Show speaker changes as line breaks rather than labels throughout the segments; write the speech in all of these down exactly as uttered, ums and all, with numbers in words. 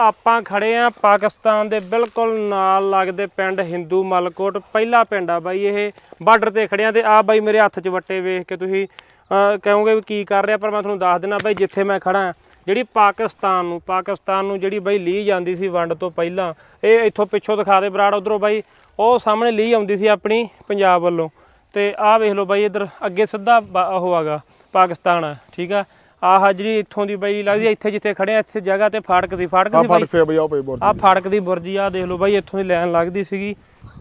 ਆਪਾਂ ਖੜੇ ਆ ਪਾਕਿਸਤਾਨ ਦੇ ਬਿਲਕੁਲ ਨਾਲ ਲੱਗਦੇ ਪਿੰਡ ਹਿੰਦੂ ਮਲਕੋਟ ਪਹਿਲਾ ਪਿੰਡ ਆ ਬਾਈ। ਇਹ ਬਾਰਡਰ ਤੇ ਖੜਿਆ ਤੇ ਆ ਬਾਈ ਮੇਰੇ ਹੱਥ 'ਚ ਵੱਟੇ ਵੇਖ ਕੇ ਤੁਸੀਂ ਕਹੋਗੇ ਵੀ ਕੀ ਕਰ ਰਿਹਾ, ਪਰ ਮੈਂ ਤੁਹਾਨੂੰ ਦੱਸ ਦਿੰਦਾ ਬਾਈ ਜਿੱਥੇ ਮੈਂ ਖੜਾ ਜਿਹੜੀ ਪਾਕਿਸਤਾਨ ਨੂੰ ਪਾਕਿਸਤਾਨ ਨੂੰ ਜਿਹੜੀ ਬਾਈ ਲੀਹ ਜਾਂਦੀ ਸੀ ਵੰਡ ਤੋਂ ਪਹਿਲਾਂ, ਇਹ ਇੱਥੋਂ ਪਿੱਛੋਂ ਦਿਖਾ ਦੇ ਬਰਾੜ ਉਧਰੋਂ ਬਾਈ, ਉਹ ਸਾਹਮਣੇ ਲੀਹ ਆਉਂਦੀ ਸੀ ਆਪਣੀ ਪੰਜਾਬ ਵੱਲੋਂ। ਤੇ ਆਹ ਵੇਖ ਲਓ ਬਾਈ ਇੱਧਰ ਅੱਗੇ ਸਿੱਧਾ ਉਹ ਹੈਗਾ ਪਾਕਿਸਤਾਨ ਆ, ਠੀਕ ਆ। ਆਹ ਜਿਹੜੀ ਇੱਥੋਂ ਦੀ ਬਾਈ ਲੱਗਦੀ ਇੱਥੇ ਜਿੱਥੇ ਖੜੇ ਆ ਇੱਥੇ ਜਗ੍ਹਾ ਤੇ ਫਾਟਕ ਸੀ, ਫਾਟਕ ਸੀ ਬਾਈ ਆਹ ਫਾਟਕ ਦੀ ਬੁਰਜੀ ਆ ਦੇਖ ਲਓ ਬਾਈ, ਇੱਥੋਂ ਦੀ ਲਾਈਨ ਲੱਗਦੀ ਸੀਗੀ।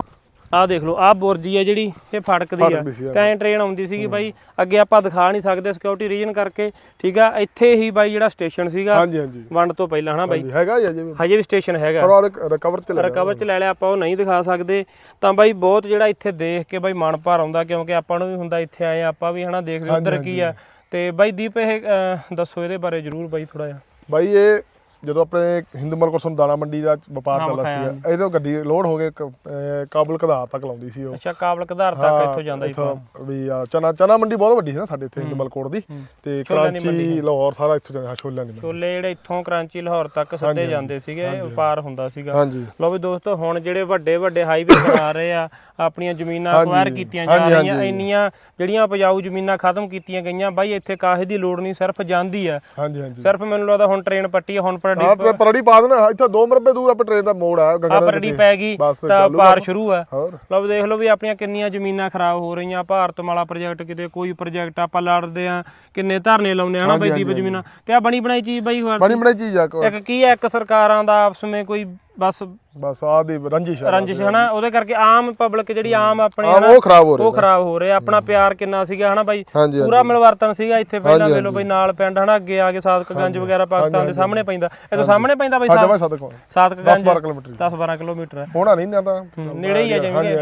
ਆਹ ਦੇਖ ਲਓ ਆਹ ਬੁਰਜੀ ਆ ਜਿਹੜੀ ਇਹ ਫਾਟਕ ਦੀ ਆ, ਤਾਂ ਟ੍ਰੇਨ ਆਉਂਦੀ ਸੀਗੀ ਬਾਈ। ਅੱਗੇ ਆਪਾਂ ਦਿਖਾ ਨਹੀਂ ਸਕਦੇ ਸਿਕਿਉਰਿਟੀ ਰੀਜਨ ਕਰਕੇ, ਠੀਕ ਆ। ਇੱਥੇ ਹੀ ਬਾਈ ਜਿਹੜਾ ਸਟੇਸ਼ਨ ਸੀਗਾ ਵੰਡ ਤੋਂ ਪਹਿਲਾਂ ਹਨਾ ਬਾਈ, ਹੈਗਾ ਹਜੇ ਵੀ ਸਟੇਸ਼ਨ ਹੈਗਾ, ਰਿਕਵਰ ਚ ਰਿਕਵਰ ਚ ਲੈ ਲਿਆ ਆਪਾਂ, ਉਹ ਨਹੀਂ ਦਿਖਾ ਸਕਦੇ। ਤਾਂ ਬਾਈ ਬਹੁਤ ਜਿਹੜਾ ਇੱਥੇ ਦੇਖ ਕੇ ਬਾਈ ਮਨ ਭਰ ਆਉਂਦਾ, ਕਿਉਂਕਿ ਆਪਾਂ ਨੂੰ ਵੀ ਹੁੰਦਾ ਇੱਥੇ ਆਏ ਆਪਾਂ ਵੀ ਹਨਾ ਦੇਖਦੇ ਉੱਧਰ ਕੀ ਆ। ਤੇ ਬਾਈ ਦੀਪ ਇਹ ਦੱਸੋ ਇਹਦੇ ਬਾਰੇ ਜ਼ਰੂਰ ਬਾਈ ਥੋੜਾ ਜਿਹਾ।
ਬਾਈ ਇਹ ਜਦੋਂ ਆਪਣੇ ਹਿੰਦੂ ਮਲਕੋਟ ਤੋਂ ਦਾਣਾ ਮੰਡੀ ਦਾ ਵਪਾਰ ਚੱਲਦਾ ਸੀ, ਇਹਦੋਂ ਗੱਡੀ ਲੋਡ ਹੋ ਕੇ ਕਾਬਲ ਕਧਾਰ ਤੱਕ ਲਾਉਂਦੀ ਸੀ ਉਹ।
ਅੱਛਾ ਕਾਬਲ ਕਧਾਰ ਤੱਕ ਇੱਥੋਂ ਜਾਂਦਾ ਸੀ
ਵੀ ਚਨਾ ਚਨਾ ਮੰਡੀ ਬਹੁਤ ਵੱਡੀ ਸੀ ਨਾ ਸਾਡੇ ਇੱਥੇ ਹਿੰਦੂ ਮਲਕੋਟ ਦੀ, ਤੇ ਕਰਾਚੀ ਲਾਹੌਰ ਸਾਰਾ ਇੱਥੋਂ ਜਾਂਦਾ ਛੋਲਿਆਂ ਦੀ
ਛੋਲੇ ਜਿਹੜੇ ਇੱਥੋਂ ਕਰਾਚੀ ਲਾਹੌਰ ਤੱਕ ਸਿੱਧੇ ਜਾਂਦੇ ਸੀਗੇ, ਵਪਾਰ ਹੁੰਦਾ ਸੀਗਾ। ਲਓ ਵੀ ਦੋਸਤੋ ਹੁਣ ਜਿਹੜੇ ਵੱਡੇ ਵੱਡੇ ਹਾਈਵੇ ਬਣਾ ਰਹੇ ਆ, ਆਪਣੀਆਂ ਜ਼ਮੀਨਾਂ ਅਕਵਾਇਰ ਕੀਤੀਆਂ ਜਾ ਰਹੀਆਂ, ਇੰਨੀਆਂ ਜਿਹੜੀਆਂ ਉਪਜਾਊ ਜ਼ਮੀਨਾਂ ਖਤਮ ਕੀਤੀਆਂ ਗਈਆਂ ਬਾਈ। ਇੱਥੇ ਕਾਹੇ ਦੀ ਲੋੜ ਨਹੀਂ, ਸਿਰਫ ਜਾਂਦੀ ਆ ਸਿਰਫ। ਮੈਨੂੰ ਲੱਗਦਾ ਹੁਣ ਟ੍ਰੇਨ ਪੱਟੀ ਹੁਣ
ਪਰੜੀ ਪਾ ਦੇਣਾ ਇੱਥੇ ਦੋ ਮਰਬੇ ਦੂਰ ਆਪੇ ਟ੍ਰੇਨ ਦਾ ਮੋੜ ਆ,
ਪਰੜੀ ਪੈ ਗਈ ਤਾਂ ਪਾਰ ਸ਼ੁਰੂ ਆ। ਲਓ ਦੇਖ ਲਓ ਵੀ ਆਪਣੀਆਂ ਕਿੰਨੀਆਂ ਜ਼ਮੀਨਾਂ ਖਰਾਬ ਹੋ ਰਹੀਆਂ। ਭਾਰਤਮਾਲਾ ਪ੍ਰੋਜੈਕਟ ਕਿਤੇ ਕੋਈ ਪ੍ਰੋਜੈਕਟ ਆਪਾਂ ਲੜਦੇ ਆ, ਕਿੰਨੇ ਧਰਨੇ ਲਾਉਂਦੇ ਆ ਨਾ ਬਾਈ ਦੀਪ ਜ਼ਮੀਨਾਂ ਤੇ। ਆ ਬਣੀ ਬਣਾਈ ਚੀਜ਼ ਬਾਈ,
ਬਣੀ ਬਣਾਈ ਚੀਜ਼ ਆ
ਇੱਕ ਕੀ ਆ, ਇੱਕ ਸਰਕਾਰਾਂ ਦਾ ਆਪਸ ਵਿੱਚ ਕੋਈ ਬਸ
ਬਸ ਆ ਦੀ ਰੰਜਿਸ਼
ਰੰਜਿਸ਼ ਹਨਾ, ਉਹਦੇ ਕਰਕੇ ਆਮ ਪਬਲਿਕ ਜਿਹੜੀ ਆਮ ਆਪਣੇ
ਉਹ ਖਰਾਬ ਹੋ ਰਹੀ
ਉਹ ਖਰਾਬ ਹੋ ਰਿਹਾ। ਆਪਣਾ ਪਿਆਰ ਕਿੰਨਾ ਸੀਗਾ ਹਨਾ ਬਾਈ, ਪੂਰਾ ਮਿਲਵਰਤਨ ਸੀਗਾ ਇੱਥੇ। ਪਹਿਲਾਂ ਵੇਖ ਲਓ ਬਾਈ ਨਾਲ ਪਿੰਡ ਹਨਾ, ਅੱਗੇ ਆ ਕੇ ਸਾਦਕਗੰਜ ਵਗੈਰਾ ਪਾਕਿਸਤਾਨ ਦੇ ਸਾਹਮਣੇ ਪੈਂਦਾ, ਇਹ ਤੋਂ ਸਾਹਮਣੇ ਪੈਂਦਾ ਬਾਈ ਸਾਦਕਗੰਜ ਦਸ ਬਾਰਾਂ ਕਿਲੋਮੀਟਰ ਹੈ,
ਹੋਣਾ ਨਹੀਂ ਨਾ ਤਾਂ
ਨੇੜੇ ਹੀ ਆ ਜਿਵੇਂ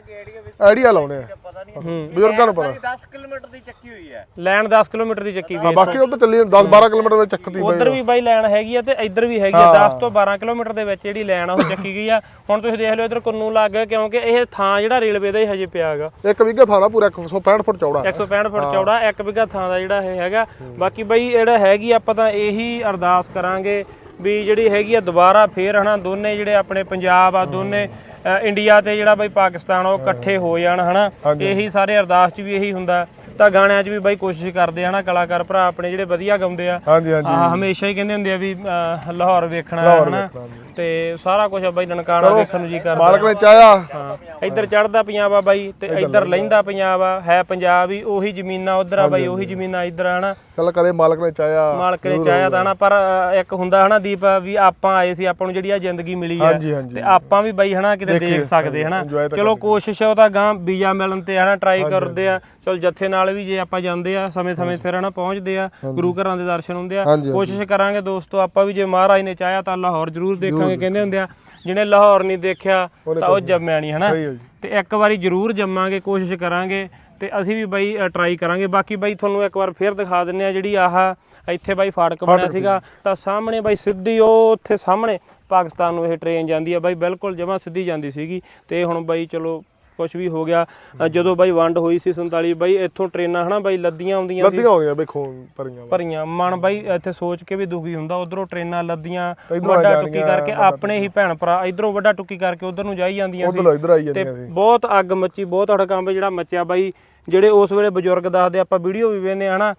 ਆਈਡੀਆ ਲਾਉਣੇ ਆ ਬਜ਼ੁਰਗਾਂ ਨੂੰ ਪਤਾ।
ਦਸ ਕਿਲੋਮੀਟਰ ਦੀ ਚੱਕੀ ਹੋਈ ਹੈ
ਲੈਣ, ਦਸ ਕਿਲੋਮੀਟਰ ਦੀ ਚੱਕੀ ਹੋਈ,
ਬਾਕੀ ਉਧਰ ਚੱਲੀ ਦਸ ਬਾਰਾਂ ਕਿਲੋਮੀਟਰ ਵਿੱਚ ਚੱਕਦੀ।
ਉਧਰ ਵੀ ਬਾਈ ਲੈਣ ਹੈਗੀ ਆ ਤੇ ਇੱਧਰ ਵੀ ਹੈਗੀ ਆ, ਦਸ ਤੋਂ ਬਾਰਾਂ ਕਿਲੋਮੀਟਰ ਦੇ ਵਿੱਚ ਜਿਹੜੀ ਲੈਣ ਆ ਉਹ ਚੱਕੀ ਗਈ ਆ। ਹੁਣ ਤੁਸੀਂ ਦੇਖ ਲਓ ਇੱਧਰ ਕੁੰਨੂ ਲੱਗ ਗਿਆ, ਕਿਉਂਕਿ ਇਹ ਥਾਂ ਜਿਹੜਾ ਰੇਲਵੇ ਦਾ ਹੀ ਹਜੇ ਪਿਆ ਹੈਗਾ।
ਇੱਕ ਵਿਗਾ ਥਾਂ ਦਾ ਪੂਰਾ ਇੱਕ ਸੌ ਪੈਂਹਠ ਫੁੱਟ ਚੌੜਾ,
ਇੱਕ ਸੌ ਪੈਂਹਠ ਫੁੱਟ ਚੌੜਾ ਇੱਕ ਵਿਗਾ ਥਾਂ ਦਾ ਜਿਹੜਾ ਇਹ ਹੈਗਾ। ਬਾਕੀ ਬਾਈ ਜਿਹੜਾ ਹੈਗੀ ਆਪਾਂ ਤਾਂ ਇਹੀ ਅਰਦਾਸ ਕਰਾਂਗੇ ਵੀ ਜਿਹੜੀ ਹੈਗੀ ਆ ਦੁਬਾਰਾ ਫੇਰ ਹਨਾ ਦੋਨੇ ਜਿਹੜੇ ਆਪਣੇ ਪੰਜਾਬ ਆ ਦੋਨੇ ਇੰਡੀਆ ਤੇ ਜਿਹੜਾ ਬਾਈ ਪਾਕਿਸਤਾਨ ਉਹ ਇਕੱਠੇ ਹੋ ਜਾਣ ਹਨਾ। ਇਹੀ ਸਾਰੇ ਅਰਦਾਸ 'ਚ ਵੀ ਇਹੀ ਹੁੰਦਾ। ਤਾਂ ਗਾਣਿਆਂ 'ਚ ਵੀ ਬਾਈ ਕੋਸ਼ਿਸ਼ ਕਰਦੇ ਆ ਨਾ ਕਲਾਕਾਰ ਭਰਾ ਆਪਣੇ ਜਿਹੜੇ ਵਧੀਆ ਗਾਉਂਦੇ ਆ, ਹਮੇਸ਼ਾ ਹੀ ਕਹਿੰਦੇ ਹੁੰਦੇ ਆ ਵੀ ਲਾਹੌਰ ਵੇਖਣਾ ਹਨਾ, ਤੇ ਸਾਰਾ ਕੁਝ ਬਾਈ ਨਨਕਾਣਾ ਵੇਖਣ ਨੂੰ ਜੀ ਕਰਦਾ।
ਮਾਲਕ ਨੇ ਚਾਹਿਆ
ਇੱਧਰ ਚੜ੍ਹਦਾ ਪੰਜਾਬ ਆ ਬਾਈ ਤੇ ਇੱਧਰ ਲਹਿੰਦਾ ਪੰਜਾਬ ਆ, ਹੈ ਪੰਜਾਬ ਹੀ ਉਹੀ ਜ਼ਮੀਨਾਂ ਉਧਰ ਆ ਬਾਈ, ਉਹੀ ਜ਼ਮੀਨਾਂ ਇੱਧਰ ਆ ਹਨਾ।
ਚੱਲ ਕਰੇ ਮਾਲਕ ਨੇ ਚਾਹਿਆ,
ਮਾਲਕ ਨੇ ਚਾਹਿਆ ਤਾਂ ਹਨਾ। ਪਰ ਇੱਕ ਹੁੰਦਾ ਹਨਾ ਦੀਪ ਵੀ ਆਪਾਂ ਆਏ ਸੀ, ਆਪਾਂ ਨੂੰ ਜਿਹੜੀ ਆ ਜ਼ਿੰਦਗੀ ਮਿਲੀ ਆ ਤੇ ਆਪਾਂ ਵੀ ਬਾਈ ਹਨਾ ਕਿਤੇ ਦੇਖ ਸਕਦੇ ਹਨਾ। ਚਲੋ ਕੋਸ਼ਿਸ਼ ਉਹ ਤਾਂ ਗਾਂ ਵੀਜ਼ਾ ਮਿਲਣ ਤੇ ਹਨਾ ਟਰਾਈ ਕਰਦੇ ਆ। ਚਲੋ ਜੱਥੇ ਨਾਲ ਵੀ ਜੇ ਆਪਾਂ ਜਾਂਦੇ ਆ ਸਮੇਂ ਸਮੇਂ ਸਿਰ ਹਨਾ ਪਹੁੰਚਦੇ ਆ, ਗੁਰੂ ਘਰਾਂ ਦੇ ਦਰਸ਼ਨ ਹੁੰਦੇ ਆ। ਕੋਸ਼ਿਸ਼ ਕਰਾਂਗੇ ਦੋਸਤੋ ਆਪਾਂ ਵੀ, ਜੇ ਮਹਾਰਾਜ ਨੇ ਚਾਹਿਆ ਤਾਂ ਲਾਹੌਰ ਜ਼ਰੂਰ ਦੇਖਾਂਗੇ। ਕਹਿੰਦੇ ਹੁੰਦੇ ਆ ਜਿਹਨੇ ਲਾਹੌਰ ਨਹੀਂ ਦੇਖਿਆ ਤਾਂ ਉਹ ਜੰਮਿਆ ਨਹੀਂ ਹਨਾ, ਤੇ ਇੱਕ ਵਾਰੀ ਜ਼ਰੂਰ ਜੰਮਾਂਗੇ, ਕੋਸ਼ਿਸ਼ ਕਰਾਂਗੇ ਤੇ ਅਸੀਂ ਵੀ ਬਾਈ ਟਰਾਈ ਕਰਾਂਗੇ। ਬਾਕੀ ਬਾਈ ਤੁਹਾਨੂੰ ਇੱਕ ਵਾਰ ਫੇਰ ਦਿਖਾ ਦਿੰਨੇ ਆ ਜਿਹੜੀ ਆਹ ਇੱਥੇ ਬਾਈ ਫਾਟਕ ਬਣਿਆ ਸੀਗਾ, ਤਾਂ ਸਾਹਮਣੇ ਬਾਈ ਸਿੱਧੀ ਉਹ ਉੱਥੇ ਸਾਹਮਣੇ ਪਾਕਿਸਤਾਨ ਨੂੰ ਇਹ ਟ੍ਰੇਨ ਜਾਂਦੀ ਆ ਬਾਈ, ਬਿਲਕੁਲ ਜਮਾਂ ਸਿੱਧੀ ਜਾਂਦੀ ਸੀਗੀ। ਤੇ ਹੁਣ ਬਾਈ ਚਲੋ ਕੁਛ ਵੀ ਹੋ ਗਿਆ, ਜਦੋਂ ਬਾਈ ਵੰਡ ਹੋਈ ਸੀ ਸੰਤਾਲੀ ਬਾਈ ਇੱਥੋਂ ਟ੍ਰੇਨਾਂ ਹਨਾ ਬਾਈ ਲੱਦੀਆਂ ਆਉਂਦੀਆਂ ਸੀ, ਭਰੀਆਂ ਭਰੀਆਂ। ਮਨ ਬਾਈ ਇੱਥੇ ਸੋਚ ਕੇ ਵੀ ਦੁਖੀ ਹੁੰਦਾ, ਉਧਰੋਂ ਟ੍ਰੇਨਾਂ ਲੱਦੀਆਂ ਵੱਡਾ ਟੁੱਕੀ ਕਰਕੇ ਆਪਣੇ ਹੀ ਭੈਣ ਭਰਾ ਇਧਰੋਂ ਵੱਡਾ ਟੁੱਕੀ ਕਰਕੇ ਉਧਰ ਨੂੰ ਜਾਈ ਜਾਂਦੀਆਂ ਸੀ, ਤੇ ਬਹੁਤ ਅੱਗ ਮੱਚੀ, ਬਹੁਤ ਹੜਕੰਬ ਜਿਹੜਾ ਮੱਚਿਆ ਬਾਈ। ਜਿਹੜੇ ਉਸ ਵੇਲੇ ਬਜ਼ੁਰਗ ਦੱਸਦੇ, ਆਪਾਂ ਵੀਡੀਓ ਵੀ ਵੇਖਦੇ ਹਨਾ,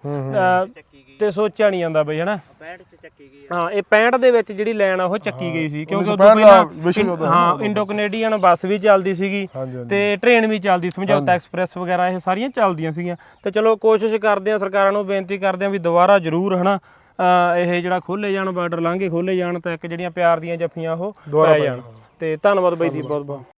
ਤੇ ਸੋਚਿਆ ਨਹੀਂ ਜਾਂਦਾ ਬਈ ਹਨਾ। ਹਾਂ ਇਹ ਪੈਂਹਠ ਦੇ ਵਿੱਚ ਜਿਹੜੀ ਲਾਈਨ ਆ ਉਹ ਚੱਕੀ ਗਈ ਸੀ, ਕਿਉਂਕਿ ਉਦੋਂ ਪਹਿਲਾਂ ਹਾਂ ਇੰਡੋ ਕੈਨੇਡੀਅਨ ਬੱਸ ਵੀ ਚੱਲਦੀ ਸੀਗੀ ਤੇ ਟ੍ਰੇਨ ਵੀ ਚੱਲਦੀ, ਸਮਝੌਤਾ ਐਕਸਪ੍ਰੈਸ ਵਗੈਰਾ ਇਹ ਸਾਰੀਆਂ ਚੱਲਦੀਆਂ ਸੀਗੀਆਂ। ਤੇ ਚਲੋ ਕੋਸ਼ਿਸ਼ ਕਰਦੇ ਆ, ਸਰਕਾਰਾਂ ਨੂੰ ਬੇਨਤੀ ਕਰਦੇ ਆ ਵੀ ਦੁਬਾਰਾ ਜ਼ਰੂਰ ਹਨਾ ਇਹ ਜਿਹੜਾ ਖੋਲੇ ਜਾਣ, ਬਾਰਡਰ ਲਾਂਘੇ ਖੋਲੇ ਜਾਣ, ਤਾਂ ਇੱਕ ਜਿਹੜੀਆਂ ਪਿਆਰ ਦੀਆਂ ਜੱਫੀਆਂ ਉਹ ਪੈ ਜਾਣ। ਤੇ ਧੰਨਵਾਦ ਬਾਈ ਦੀ ਬਹੁਤ ਬਹੁਤ।